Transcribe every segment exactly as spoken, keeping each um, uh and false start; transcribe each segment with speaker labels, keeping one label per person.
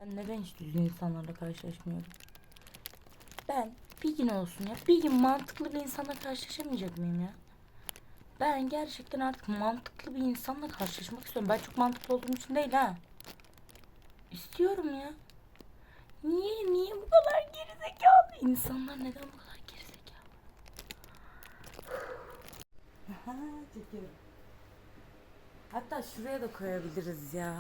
Speaker 1: Ben neden hiç düzgün insanlarla karşılaşmıyorum? Ben bir gün olsun ya, bir gün mantıklı bir insanla karşılaşamayacak mıyım ya? Ben gerçekten artık mantıklı bir insanla karşılaşmak istiyorum. Ben çok mantıklı olduğum için değil ha. İstiyorum ya. Niye, niye bu kadar gerizekalı? İnsanlar neden bu kadar gerizekalı? Aha, çekiyorum. Hatta şuraya da koyabiliriz ya.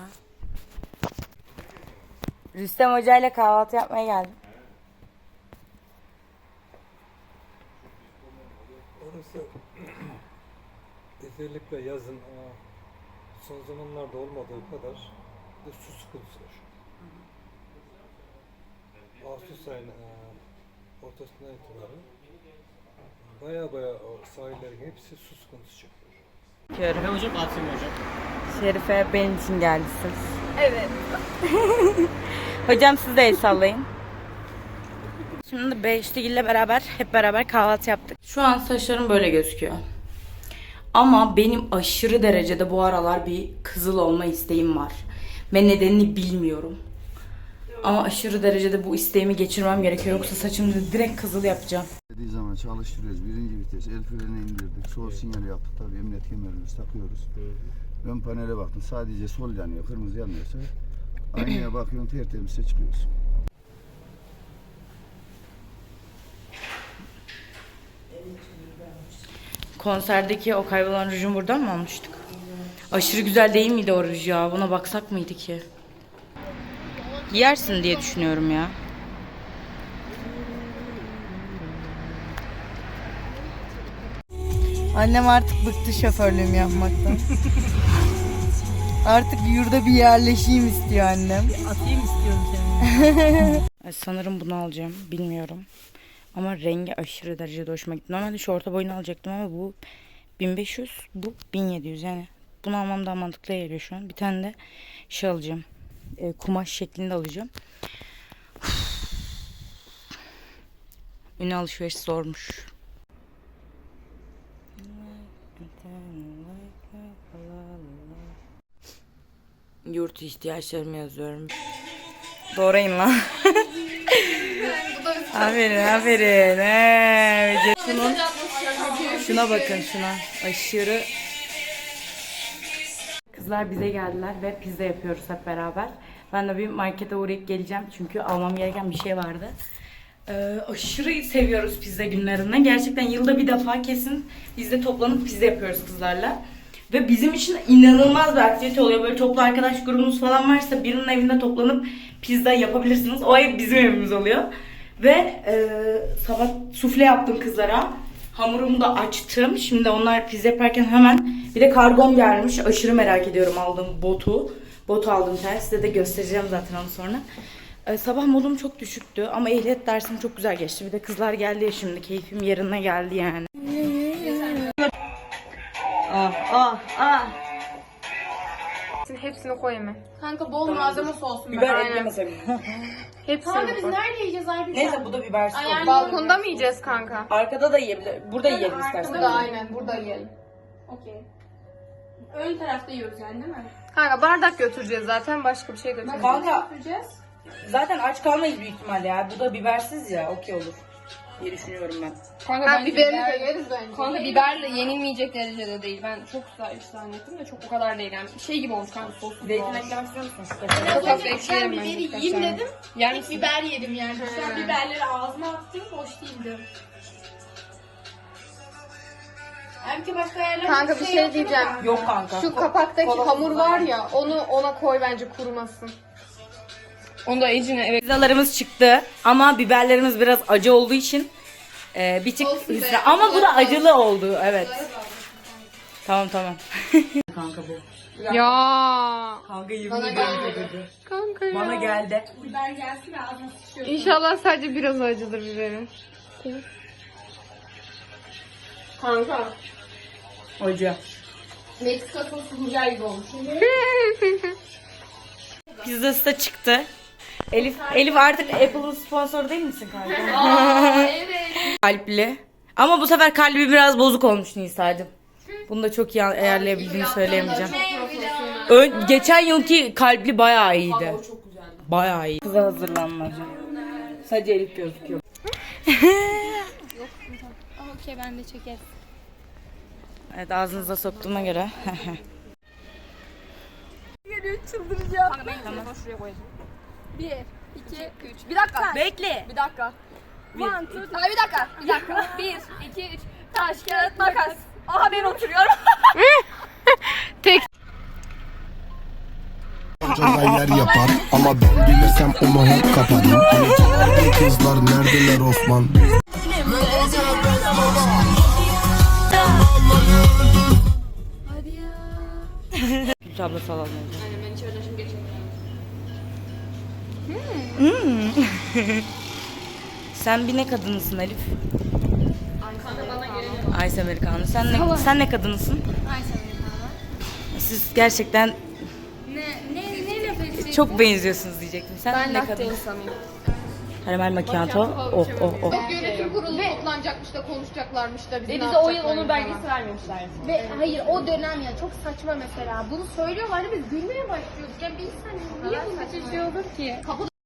Speaker 1: Rüstem Hoca ile kahvaltı yapmaya geldim.
Speaker 2: Orası özellikle yazın son zamanlarda olmadığı kadar bir su sıkıntısı var. Ağustos ayının ortasından itibaren baya baya o sahillerin hepsi su sıkıntısı çekiyor.
Speaker 3: Şerife hocam, Asım hocam.
Speaker 1: Şerife benim için geldiniz.
Speaker 4: Evet.
Speaker 1: Hocam siz de el sallayın. Şimdi Beşiktaş ile beraber hep beraber kahvaltı yaptık. Şu an saçlarım böyle gözüküyor. Ama benim aşırı derecede bu aralar bir kızıl olma isteğim var. Ve nedenini bilmiyorum. Ama aşırı derecede bu isteğimi geçirmem gerekiyor. Yoksa saçımı direkt kızıl yapacağım.
Speaker 5: Dediği zaman çalıştırıyoruz. Birinci vites, el freni indirdik. Sol sinyali yaptık. Tabii emniyet kemerimizi takıyoruz. Ön panele baktım. Sadece sol yanıyor. Kırmızı yanmıyorsa aynaya bakıyorsun, tertemiz çıkıyorsun.
Speaker 1: Konserdeki o kaybolan rujum buradan mı almıştık? Aşırı güzel değil miydi o ruj ya? Buna baksak mıydı ki? Yersin diye düşünüyorum ya. Annem artık bıktı şoförlüğüm yapmaktan. Artık yurda bir yerleşeyim istiyor annem.
Speaker 4: Atayım istiyorum seni.
Speaker 1: Sanırım bunu alacağım. Bilmiyorum. Ama rengi aşırı derecede hoşuma gitti. Normalde şu orta boyunu alacaktım ama bu bin beş yüz, bu bin yedi yüz. Yani bunu almam daha mantıklı geliyor şu an. Bir tane de şey alacağım. E, kumaş şeklinde alacağım. Ünlü alışveriş zormuş. Yurt ihtiyaçlarımı yazıyorum. Doğrayın lan. Aferin, aferin. He, şunun, şuna bakın, şuna. Aşırı. Kızlar bize geldiler ve pizza yapıyoruz hep beraber. Ben de bir markete uğrayıp geleceğim çünkü almam gereken bir şey vardı. Ee, aşırı seviyoruz pizza günlerinde. Gerçekten yılda bir defa kesin biz de toplanıp pizza yapıyoruz kızlarla. Ve bizim için inanılmaz bir aktivite oluyor. Böyle toplu arkadaş grubumuz falan varsa birinin evinde toplanıp pizza yapabilirsiniz. O ev bizim evimiz oluyor. Ve e, sabah sufle yaptım kızlara. Hamurumu da açtım. Şimdi onlar pizza yaparken hemen bir de kargom gelmiş. Aşırı merak ediyorum aldığım botu. Botu aldım ters. Size de göstereceğim zaten onu sonra. Ee, sabah modum çok düşüktü ama ehliyet dersim çok güzel geçti. Bir de kızlar geldi ya şimdi. Keyfim yerine geldi yani. Ah ah ah.
Speaker 4: Hepsini koy hemen. Kanka bol malzemesi olsun.
Speaker 1: Biber eklemesem.
Speaker 4: Hepsini
Speaker 6: Kanka biz
Speaker 4: koy.
Speaker 6: nerede yiyeceğiz Aybüke?
Speaker 1: Neyse bu da bibersiz olur.
Speaker 4: Balkonda mı yiyeceğiz kanka?
Speaker 1: Arkada da yiyebilir. Burada yiyelim istersen.
Speaker 4: Burada aynen burada yiyelim.
Speaker 6: Okey. Ön tarafta yiyoruz yani değil mi?
Speaker 4: Kanka bardak götüreceğiz zaten başka bir şey götüreceğiz.
Speaker 1: Kanka
Speaker 6: Götüreceğiz.
Speaker 1: zaten aç kalmayız büyük ihtimalle ya. Bu da bibersiz ya. Okey olur diye düşünüyorum ben.
Speaker 4: Kanka ben biberini de yeriz bence.
Speaker 6: Kanka biber de yenilmeyecek derecede değil. Ben çok güzel zannettim de çok o kadar değil yani. Şey gibi olmuş kanka sos gibi
Speaker 1: Zeytin
Speaker 6: olmuş.
Speaker 1: eklemek istiyor musun? Şu
Speaker 6: Ben
Speaker 1: kaşarı.
Speaker 6: az önce
Speaker 4: ekleyelim
Speaker 6: ben
Speaker 4: bence
Speaker 6: biberi
Speaker 4: birkaç
Speaker 6: yiyeyim
Speaker 4: tane.
Speaker 6: dedim.
Speaker 4: Yer
Speaker 6: İlk
Speaker 4: misin?
Speaker 6: biber yedim yani. Şu an
Speaker 4: He.
Speaker 6: biberleri ağzıma attım. Hoş değildi. Aybüke başka yerlerde
Speaker 4: Kanka bir şey diyeceğim.
Speaker 1: Yok kanka.
Speaker 4: Şu kapaktaki
Speaker 1: Kola
Speaker 4: hamur
Speaker 1: kola.
Speaker 4: var ya onu ona koy bence kurumasın.
Speaker 6: Onu da ecine evet.
Speaker 1: Pizzalarımız çıktı ama biberlerimiz biraz acı olduğu için e, bir tık
Speaker 6: Olsun be.
Speaker 1: hüsran. Ama bu da acılı oldu. Evet. Tamam tamam. Kanka bu.
Speaker 4: Ya.
Speaker 1: Kanka yemin
Speaker 4: Bana
Speaker 1: ederim
Speaker 4: gelmedi.
Speaker 1: acıdı.
Speaker 4: Kanka ya.
Speaker 1: Bana geldi.
Speaker 6: Biber gelsin ve ağzına sıçıyor.
Speaker 4: İnşallah sadece biraz acıdır biberim. Kanka.
Speaker 1: Acı.
Speaker 6: Meksika sosu burger gibi olmuş.
Speaker 1: Pizzası da çıktı. Elif Elif artık Apple'ın sponsoru değil misin kanka?
Speaker 6: Aa evet.
Speaker 1: Kalpli. Ama bu sefer kalbi biraz bozuk olmuş Nisa'cığım. Bunu da çok iyi ayarlayabildiğini söyleyemeyeceğim. Ön, geçen yılki kalpli bayağı iyiydi. bayağı iyi. Kıza hazırlanmaca. Sadece Elif gözüküyor.
Speaker 6: Okey ben de çekerim.
Speaker 1: Evet, ağzınıza soktuğuma göre.
Speaker 6: Kanka ben tamam. Şuraya koyayım. Bir, iki, üç. Bir dakika.
Speaker 1: Bekle.
Speaker 6: Bir dakika. One, two, three. Ay bir dakika. Bir dakika. Bir, iki, üç. Taş, kağıt, makas. Aha ben oturuyorum.
Speaker 7: Hocalar yer yapar ama ben gelirsem onu hep kaparım. Hani kızlar neredeler Osman?
Speaker 1: Gülç abla salam.
Speaker 6: Aynen ben içeriden şimdi geçeyim.
Speaker 1: Sen bir ne kadınısın Elif?
Speaker 6: Kanka bana gelelim.
Speaker 1: Ice Americano. Sen ne, sen ne kadınısın?
Speaker 6: Ayşe Amerikan'a.
Speaker 1: Siz gerçekten
Speaker 6: Ne, ne, ne laf edeceksin?
Speaker 1: çok benziyorsunuz diyecektim. Sen
Speaker 6: Ben
Speaker 1: ne
Speaker 6: latte
Speaker 1: kadınsın?
Speaker 6: insanıyım.
Speaker 1: Caramel macchiato. Oh oh oh.
Speaker 4: Yönetim kurulu toplanacakmış da konuşacaklarmış da bizi
Speaker 6: Ve
Speaker 4: ne
Speaker 6: bize o yıl
Speaker 4: yapacaklarını
Speaker 6: onun belgesi
Speaker 4: falan.
Speaker 6: vermemişler.
Speaker 8: Ve hayır o dönem ya çok saçma mesela. Bunu söylüyorlardı biz gülmeye başlıyorduk. Ya bir insan niye bu bir şey olur ki?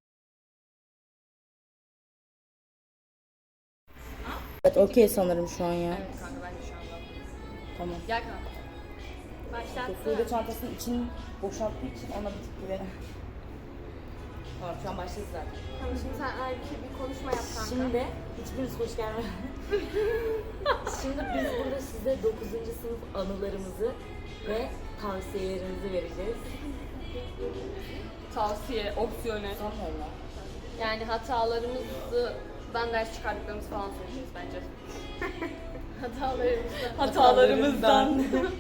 Speaker 1: Evet, okey sanırım şu an ya.
Speaker 6: Evet kanka ben de şu anda.
Speaker 1: Tamam.
Speaker 6: Gel kanka. Başlat.
Speaker 1: Sude çantasının içini boşalttığı için ona bir tık güvenim. Tamam, şu an başladı zaten.
Speaker 6: Tamam şimdi sen Aybüke bir konuşma yap kanka.
Speaker 1: Şimdi hiçbiriniz hoş gelmediniz. Şimdi biz burada size dokuzuncu sınıf anılarımızı ve tavsiyelerimizi vereceğiz.
Speaker 6: Tavsiye, opsiyonel.
Speaker 1: Sanmıyorum.
Speaker 6: Yani hatalarımızdan ders çıkardıklarımız falan söyleyeceğiz bence. Hatalarımızdan. Hatalarımızdan.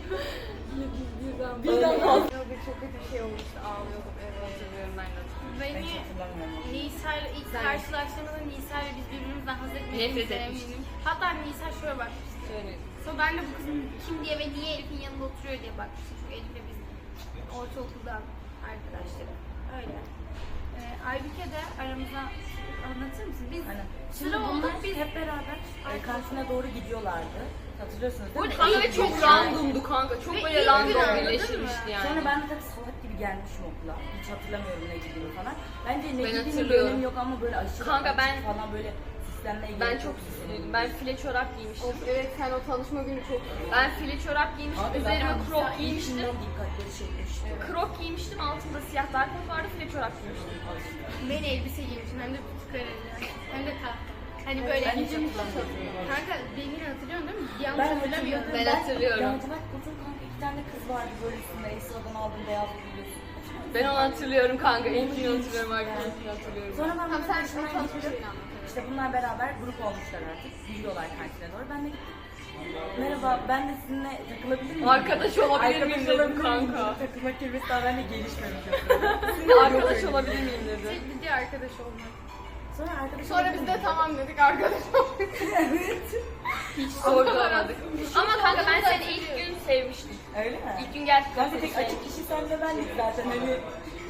Speaker 6: Birden fazla.
Speaker 4: Çok kötü bir şey olmuştu ağlıyordum evet.
Speaker 6: Hatırlıyorum ben de.
Speaker 8: Beni Nisa ile ilk karşılaştığımızda Nisa ile biz birbirimizden haz
Speaker 6: Nefret
Speaker 8: etmediğimize
Speaker 6: etmiştik.
Speaker 8: eminim. Hatta Nisa şöyle bakmıştı.
Speaker 6: Şöyle.
Speaker 8: Sonra ben de bu kızın kim diye ve niye Elif'in yanında oturuyor diye bakmıştım. Çünkü Elif'le biz ortaokuldan arkadaşlarım. Öyle. Ee, Aybüke de aramıza anlatır mısın? Biz sıra olduk biz
Speaker 1: hep beraber e, kantine doğru gidiyorlardı. Hatırlıyorsunuz değil mi?
Speaker 6: Kanka ve çok randomdu kanka. Çok
Speaker 8: Ve
Speaker 6: böyle
Speaker 8: ilk
Speaker 6: random
Speaker 8: gün anladın
Speaker 6: birleştirmişti yani.
Speaker 1: Sonra ben de tabii salak gibi gelmişim okula. Hiç hatırlamıyorum ne gittiğimi falan. Bence ne
Speaker 6: Ben
Speaker 1: gittiğinin bir
Speaker 6: hatırlıyorum.
Speaker 1: önemi yok ama böyle aşırı
Speaker 6: Kanka
Speaker 1: açık
Speaker 6: ben-
Speaker 1: falan böyle süslenmeye
Speaker 6: Ben
Speaker 1: gerek
Speaker 6: çok
Speaker 1: yok.
Speaker 6: süslüydüm. Ben file çorap giymiştim.
Speaker 4: Of, evet sen o tanışma günü çok
Speaker 6: Ben file çorap giymiştim.
Speaker 1: Abi
Speaker 6: Üzerime
Speaker 1: zaten
Speaker 6: crop
Speaker 1: Nisa
Speaker 6: giymiştim.
Speaker 1: ilkinden dikkatleri çekmişti.
Speaker 6: Crop giymiştim. Altında siyah dar kot vardı. File çorap giymiştim.
Speaker 8: ben elbise giymişim hem de tutukareli. Hem de tahta. Hani böyle
Speaker 1: Ben hiç hatırlamıyorum.
Speaker 8: kanka beni hatırlıyorsun değil mi? Yanlış
Speaker 1: Ben
Speaker 8: hatırlamıyorum.
Speaker 1: hatırlıyorum.
Speaker 6: Ben hatırlıyorum.
Speaker 1: Lacivert kotun kanka iki tane kız vardı böyle üstünde. Esra'dan aldım beyaz biliyorsun.
Speaker 6: Ben onu hatırlıyorum kanka. İlkini hatırlıyorum. Arkadaşını hatırlıyorum.
Speaker 1: Sonra ben
Speaker 4: Tamam, sen
Speaker 1: arkadaşımla
Speaker 4: o tanışma
Speaker 1: gittim.
Speaker 4: şeyini anlat.
Speaker 1: İşte bunlar beraber grup olmuşlar artık. Gidiyorlar kantine doğru. Ben de gittim. Merhaba, ben de sizinle takılabilir miyim?
Speaker 6: Arkadaş olabilir miyim dedim
Speaker 1: olabilir miyim?
Speaker 6: kanka.
Speaker 1: Takılma kelimesi daha bende gelişmemiş.
Speaker 6: Sizinle arkadaş olabilir miyim dedi.
Speaker 8: Tek bildiği arkadaş olmak.
Speaker 1: Sonra arkadaşım
Speaker 4: Sonra biz de tamam dedik arkadaş olduk.
Speaker 6: Hiç sorgulamadık. Ama kanka ben seni ilk gün sevmiştim.
Speaker 1: Öyle mi?
Speaker 6: İlk gün gerçekten
Speaker 1: Kanka
Speaker 6: seni
Speaker 1: tek açık
Speaker 6: sevmiştim.
Speaker 1: kişi senle bendik zaten hani.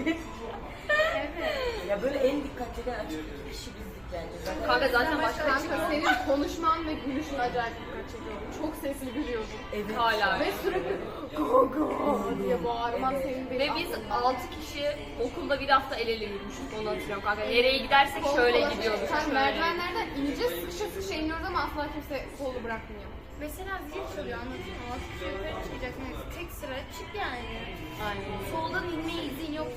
Speaker 1: Ya böyle en dikkat çeken açık iki kişi bizdik bence. Zaten
Speaker 6: Kanka zaten başka hiç
Speaker 4: Kanka senin konuşman ve gülüşün acayip dikkat çekiyordu. Çok sesli gülüyordun.
Speaker 1: evet.
Speaker 6: hala.
Speaker 4: Ve sürekli gaga diye bağırman
Speaker 1: Evet.
Speaker 4: senin beni
Speaker 6: Ve biz altı kişi okulda bir hafta el ele yürümüştük onu hatırlıyorum kanka. Nereye gidersek şöyle gidiyorduk.
Speaker 4: Sen
Speaker 6: Şöyle.
Speaker 4: merdivenlerden ineceğiz sıkışa sıkışa iniyoruz ama asla kimse kolu bırakmıyor.
Speaker 8: Mesela zil çalıyor anlatayım mı? Altı kişi yukarı çıkacaksın. Yani tek sıra çık yani.
Speaker 6: Aynen.
Speaker 8: Soldan inmeye izin yok.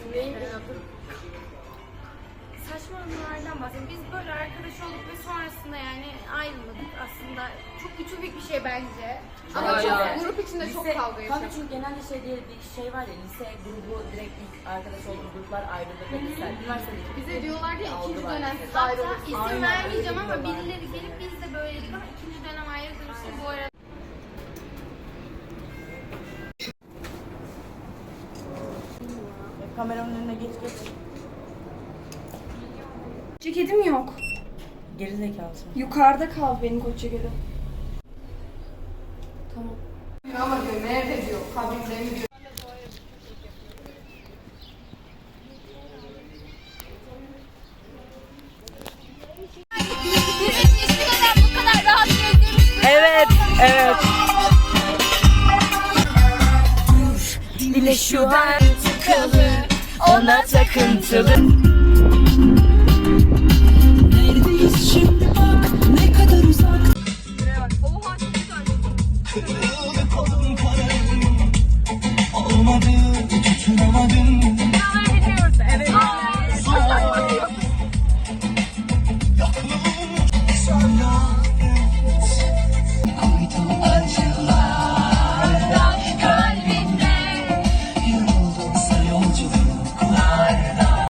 Speaker 8: Saçma anılardan bahsediyorum. Biz böyle arkadaş olduk ve sonrasında yani ayrılmadık aslında. Çok ütopik bir şey bence.
Speaker 4: Ama
Speaker 6: Bayağı.
Speaker 4: çok grup içinde çok
Speaker 1: Lise-
Speaker 4: kavga
Speaker 1: Kanka
Speaker 4: yaşadık.
Speaker 1: çünkü genelde şey diye bir şey var ya, lise grubu direkt ilk arkadaş olduğu gruplar ayrılır ve güzel. Üniversitedeki
Speaker 4: Bize diyorlardı ya ikinci
Speaker 1: algı var
Speaker 4: dönem
Speaker 1: mesela.
Speaker 4: siz
Speaker 8: Hatta
Speaker 4: ayrılırsınız.
Speaker 8: isim
Speaker 1: Aynen,
Speaker 8: vermeyeceğim
Speaker 1: öyle
Speaker 8: ama
Speaker 1: diyorlar.
Speaker 8: birileri gelip biz de böyledik ama ikinci dönem ayrılırız. İşte bu arada
Speaker 1: Kameranın önüne geç geç.
Speaker 9: Ceketim yok.
Speaker 1: Geri zekalısın.
Speaker 9: Yukarıda kaldı benim koç ceketim.
Speaker 4: Ama diyor nerede diyor kabinde mi diyor.
Speaker 1: Evet, evet. Dile şu an tıkalı ona takıntılı.